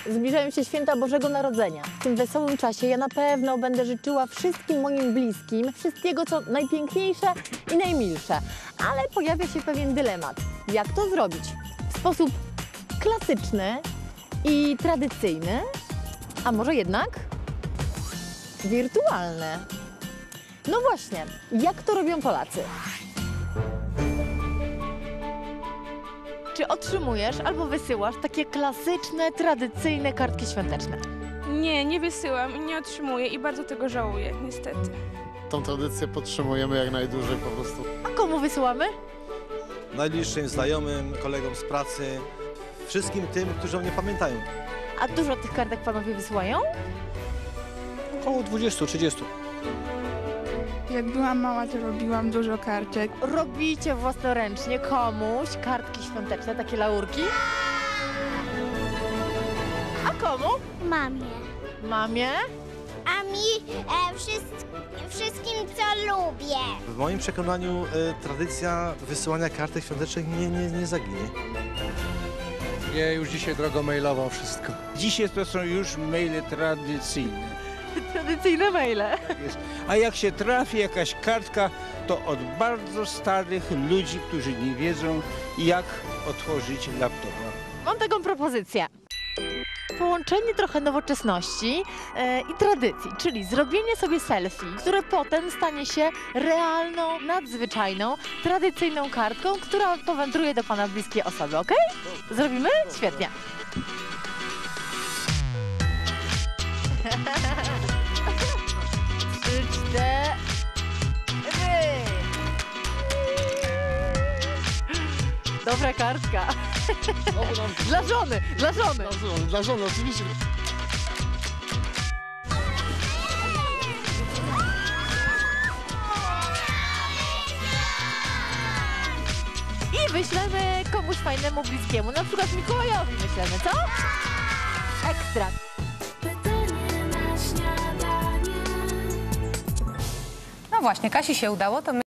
Zbliżają się święta Bożego Narodzenia. W tym wesołym czasie ja na pewno będę życzyła wszystkim moim bliskim wszystkiego, co najpiękniejsze i najmilsze. Ale pojawia się pewien dylemat. Jak to zrobić? W sposób klasyczny i tradycyjny, a może jednak wirtualny? No właśnie, jak to robią Polacy? Czy otrzymujesz albo wysyłasz takie klasyczne, tradycyjne kartki świąteczne? Nie, nie wysyłam i nie otrzymuję i bardzo tego żałuję, niestety. Tą tradycję podtrzymujemy jak najdłużej po prostu. A komu wysyłamy? Najbliższym znajomym, kolegom z pracy, wszystkim tym, którzy o mnie pamiętają. A dużo tych kartek panowie wysyłają? Około 20-30. Jak byłam mała, to robiłam dużo kartek. Robicie własnoręcznie komuś kartki świąteczne, takie laurki? A komu? Mamie. Mamie? A mi wszystkim, co lubię. W moim przekonaniu tradycja wysyłania kartek świątecznych nie zaginie. Ja już dzisiaj drogą mailową wszystko. Dzisiaj to są już maile tradycyjne. Tradycyjne maile. A jak się trafi jakaś kartka, to od bardzo starych ludzi, którzy nie wiedzą, jak otworzyć laptopa. Mam taką propozycję. Połączenie trochę nowoczesności i tradycji, czyli zrobienie sobie selfie, które potem stanie się realną, nadzwyczajną, tradycyjną kartką, która powędruje do pana bliskiej osoby, ok? Zrobimy? Świetnie. Trzy, cztery. Dobra kartka. Dla żony, dla żony. Dla żony, oczywiście. I wyślemy komuś fajnemu, bliskiemu, na przykład Mikołajowi wyślemy, co? Ekstra. No właśnie, Kasi się udało, to my